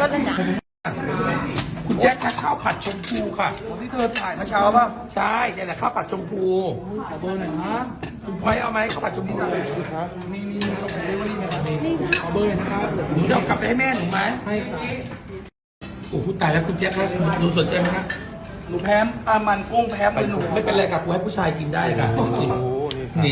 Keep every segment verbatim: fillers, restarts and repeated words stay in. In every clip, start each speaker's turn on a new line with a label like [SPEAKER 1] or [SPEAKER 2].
[SPEAKER 1] ต้นแล้วจ้ะ
[SPEAKER 2] คุณแจ็คคะข้าวผัดชมพูค่ะ
[SPEAKER 3] ที่เธอถ่ายเมื่อเช้าป่ะ
[SPEAKER 2] ใช่เนี่ยแหละข้าวผัดชมพู
[SPEAKER 3] ขอเบอร์หน่อยนะ
[SPEAKER 2] คุณพลอยเอาไหมข้าวผัดชมพู
[SPEAKER 3] ครับมีมีมีส่งเดลิเวอรี่นะครับขอเบอร์หน่อยนะครับ
[SPEAKER 2] หนูจะเอากลับไปให้แม่หนูไหม
[SPEAKER 3] ให้ครับ
[SPEAKER 2] โอ้โหตายแล้วคุณแจ็คครับหนูสนใจไหมคะ
[SPEAKER 3] หนูแพ้อามันกุ้งแพ้เป็นหนู
[SPEAKER 2] ไม่เป็นไรครับกูให้ผู้ชายกินได้ค่ะนี่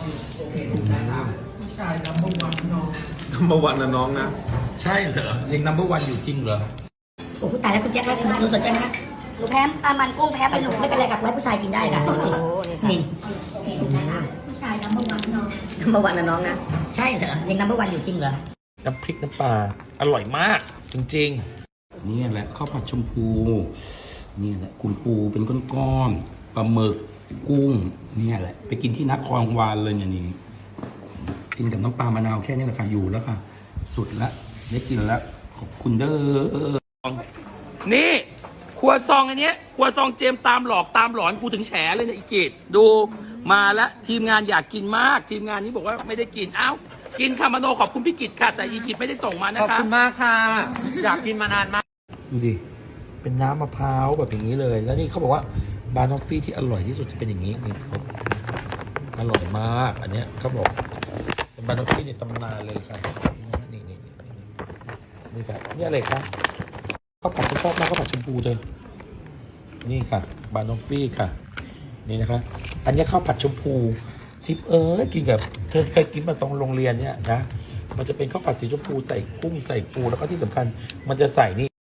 [SPEAKER 2] ผู้ชายนัมเบอร์วันน้อง
[SPEAKER 4] เมื่อวันนะน้องนะ
[SPEAKER 2] ใช่เหรอยังนัมเบอร์วันอยู่จริงเหรอ
[SPEAKER 1] โอ้โหตายแล้วคุณแจ๊คครับหนูสนใจไหมคะหนูแพ้อามันกุ้งแพ้เป็นหนูไม่เป็นไรกับไว้ผู้ชายกินได้ค่ะนี่ผู้ชายนัมเบอร์วันน้องนัมเบอร์วันนะน้องนะใช่เหรอยังนัมเบอร์วันอยู่จริงเหรอ
[SPEAKER 2] น้ำพริกน้ำปลาอร่อยมาก จริงๆนี่แหละข้าวผัดชมพูนี่แหละคุณปูเป็นก้อนๆปลาหมึกกุ้งนี่แหละไปกินที่นครวาลเลยเนี่ยนี่กินกับน้ำปลามะนาวแค่นี้แหละค่ะอยู่แล้วค่ะ สุดละได้กินแล้วขอบคุณเด้อนี่ครัวซองอันเนี้ยครัวซองเจมตามหลอกตามหลอนกูถึงแฉเลยเนี่ยอีกิจดูมาแล้วทีมงานอยากกินมาก ทีมงานนี้บอกว่าไม่ได้กินเอ้ากินคามโนขอบคุณพี่กิจค่ะแต่อีกิจไม่ได้ส่งมานะคะ
[SPEAKER 5] ขอบคุณมากค่ะ อยากกินมานานมาก
[SPEAKER 2] ดูดิ เป็นน้ำมะพร้าวแบบอย่างนี้เลย แล้วนี่เขาบอกว่าบานอฟฟี่ที่อร่อยที่สุดจะเป็นอย่างนี้นี่ครับอร่อยมาก อันเนี้ยเขาบอกเป็นบานอฟฟี่ในตำนานเลยครับนี่นี่นี่นี่ครับนี่อะไรครับข้าวผัดที่ชอบมากข้าวผัดชมพูเธอนี่ค่ะบานอฟฟี่ค่ะ นี่นะครับ อันนี้ข้าวผัดชมพูทิปเออกินกับเธอเคยกินมาตรงโรงเรียนเนี่ยนะ มันจะเป็นข้าวผัดสีชมพูใส่กุ้งใส่ปูแล้วก็ที่สำคัญ มันจะใส่นี่